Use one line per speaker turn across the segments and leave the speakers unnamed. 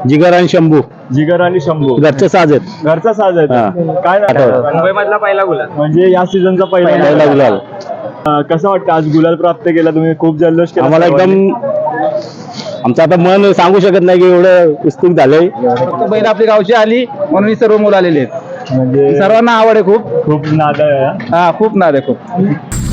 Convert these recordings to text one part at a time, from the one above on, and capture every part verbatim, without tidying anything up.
जिगर आणि शंभू
जिगर आणि शंभू
घरचे साज आहेत.
घरचा साज आहे
हा.
तो. काय नाव?
मुंबई मधला पहिला गुलाल
म्हणजे या सीझनचा पहिला
पहिला गुलाल.
अं, कसं वाटतं आज गुलाल प्राप्त केला तुम्ही? खूप जल्लोष केला
आम्हाला
सर्वांनी.
एकदम आमचं आता मन सांगू शकत नाही की एवढं उत्सुक झालंय.
फक्त बैल आपली गावची आली म्हणून ही सर्व मुलं आलेली आहेत.
म्हणजे
सर्वांना आवड आहे खूप.
खूप नाद आहे हा.
हा खूप नाद आहे खूप.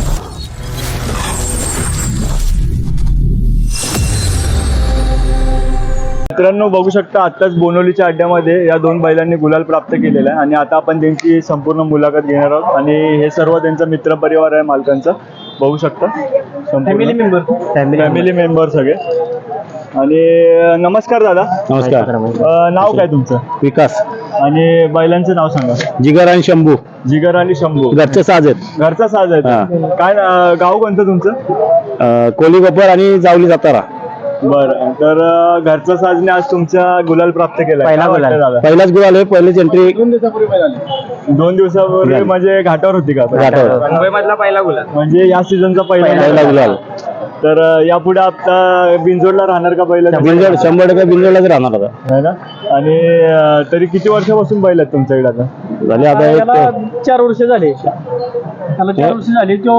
मित्रांनो बघू शकता आत्ताच बोनवलीच्या अड्ड्यामध्ये या दोन बैलांनी गुलाल प्राप्त केलेला आहे आणि आता आपण त्यांची संपूर्ण मुलाखत घेणार आहोत आणि हे सर्व त्यांचा मित्र परिवार आहे मालकांचा. बघू शकता फॅमिली मेंबर फॅमिली मेंबर सगळे. आणि अं, नमस्कार दादा.
नमस्कार.
अं, नाव काय तुमचं?
विकास.
आणि बैलांचं नाव सांगा.
जिगर आणि शंभू
जिगर आणि शंभू
घरचे साज आहेत.
घरचा साज आहे
हा.
तो. काय अं, गाव कोणतं तुमचं?
अं, कोली गोपर आणि जावली सातारा.
बरं तर अं, घरचा साजने आज तुमचा गुलाल प्राप्त केला.
पहिला
काय वाटतं
गुलाल.
दादा?
पहिलाच गुलाल आहे. पहिलीच एंट्री
दोन दिवसापूर्वी
झाली.
म्हणजे घाटावर होती का?
घाटावर.
मुंबई मधला पहिला गुलाल.
म्हणजे या सीझनचा पहिला
पहिला गुलाल.
तर अं, यापुढे आता बिंजोडला राहणार का पहिला?
बिंजोड शंभर टक्के बिंजोडलाच राहणार आता.
है ना. आणि अं, तरी किती वर्षापासून बैल आहेत तुमच्याकडे आता?
झाले आता एक
चार वर्ष झाले त्याला चार वर्ष झाली तो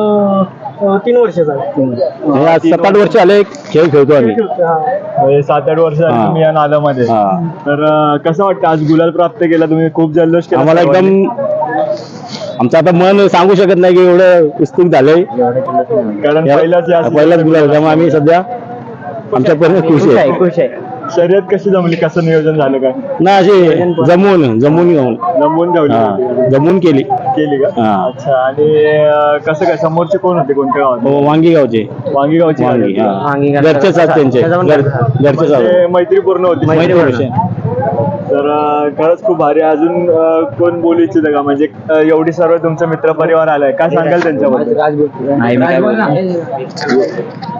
अं, तीन वर्ष झाले.
हे आज सात आठ वर्ष आले खेळ खेळतो आम्ही.
म्हणजे सात आठ वर्ष झाली
हा.
तुम्ही या नादामध्ये.
हा.
तर अं, कसं वाटतं आज गुलाल प्राप्त केला तुम्ही? खूप जल्लोष केला
आम्हाला
सर्वांनी.
एकदम आमचं आता मन सांगू शकत नाही की एवढं उत्सुक झालंय.
कारण पहिलाच या
पहिलाच गुलाल त्यामुळे आम्ही सध्या आमच्यापर्यंत खुश
खुश आहे
आहे.
खुश आहे.
शर्यत कशी जमली? कसं नियोजन झालं काय?
ना अशी जमून जमून जाऊन
जमवून ठेवली
हा
होती.
जमून केली.
केली का?
हा.
अच्छा. आणि अं, कसं काय समोरचे कोण होते? कोणत्या गावात?
हो, वांगी गावचे.
वांगी गावची
वांगी
गाडी.
हा.
वांगी
घरचे साथ त्यांचे घर- घरचे साथ
म्हणजे मैत्रीपूर्ण होती.
मैत्रीपूर्ण.
तर अं, खरंच खूप भारी. अजून अं, कोण बोलू इच्छित का? म्हणजे अं, एवढी सर्व तुमचा मित्र परिवार आलाय, काय सांगाल त्यांच्याबद्दल?
नाही, मी काय बोलणार.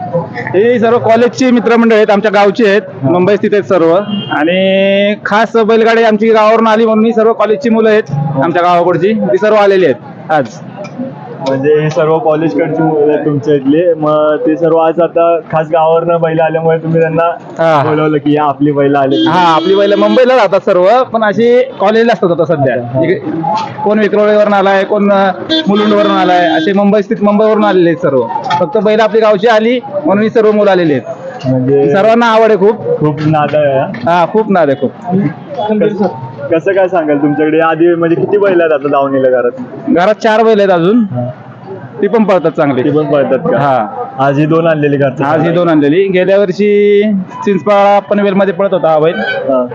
हे सर्व कॉलेजची मित्रमंडळ आहेत, आमच्या गावचे आहेत, मुंबई स्थित आहेत सर्व. आणि खास बैलगाडी आमची गावावरून आली म्हणून ही सर्व कॉलेजची मुलं आहेत आमच्या गावाकडची, ती सर्व आलेली आहेत आज.
म्हणजे हे सर्व कॉलेजकडची मुलं आहेत तुमच्या इथले. मग ते सर्व आज आता खास गावावरनं बैल आल्यामुळे तुम्ही त्यांना
हा.
बोलवलं की या आपली बैल आले.
हा, आपली बैल मुंबईला राहतात सर्व, पण अशी कॉलेजला असतात आता सध्या. इकडे कोण विक्रोळीवरून आलाय, कोण मुलुंडवरून आलाय, असे मुंबई स्थित मुंबईवरून आलेले आहेत सर्व. फक्त बैल आपली गावची आली म्हणून ही सर्व मुलं आलेली आहेत.
म्हणजे
सर्वांना आवड आहे खूप.
खूप नाद आहे हा.
हा खूप नाद आहे खूप.
कसं- कसं काय सांगाल तुमच्याकडे आधी म्हणजे किती बैल आहेत आता दावणीला घरात?
घरात चार बैल आहेत अजून, ती पण पळतात चांगली.
ती पण पळतात का?
हा,
आज ही दोन आणलेली घरच्या.
आज ही दोन आणलेली. गेल्या वर्षी चिंचपाळा पनवेल मध्ये पळत होता हा बैल,
हा.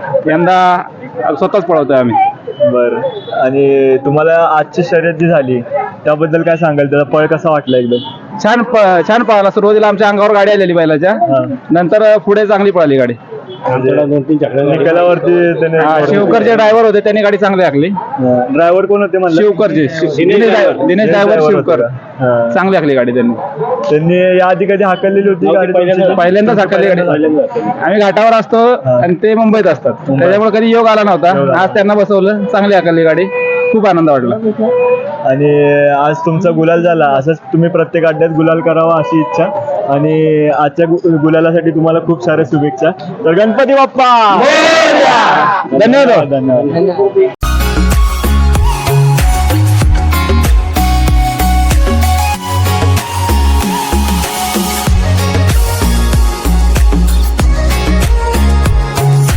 यंदा स्वतःच पळवतोय आम्ही.
बरं. आणि तुम्हाला आजची शर्यत जी झाली त्याबद्दल काय सांगाल? त्याचा पळ कसा वाटला? एकदम
छान प- छान पळाला. सुरुवातीला आमच्या अंगावर गाडी आलेली बैलाच्या,
हा.
नंतर पुढे चांगली पळाली गाडी.
म्हणजे
दोन तीन चक्र
निकालावरती
हा, शिवकरचे ड्रायव्हर होते, त्यांनी गाडी चांगली आखली.
ड्रायव्हर कोण होते म्हणलं?
शिवकरचे शि- दिनेश ड्रायव्हर दिनेश ड्रायव्हर शिवकर,
हा.
चांगली आखली गाडी त्यांनी.
त्यांनी या आधी कधी हाकललेली होती गाडी तुमची?
पहिल्यांदाच हाकलली गाडी. आम्ही घाटावर असतो आणि ते मुंबईत असतात, त्याच्यामुळे कधी योग आला नव्हता. आज त्यांना बसवलं, चांगली हाकलली गाडी, खूप आनंद वाटला.
आणि आज तुमचा गुलाल झाला. असंच तुम्ही प्रत्येक अड्ड्यात गुलाल करावा अशी इच्छा. आणि आजच्या गु- गुलालासाठी तुम्हाला खूप साऱ्या शुभेच्छा. तर गणपती बाप्पा
धन्यवाद.
धन्यवाद.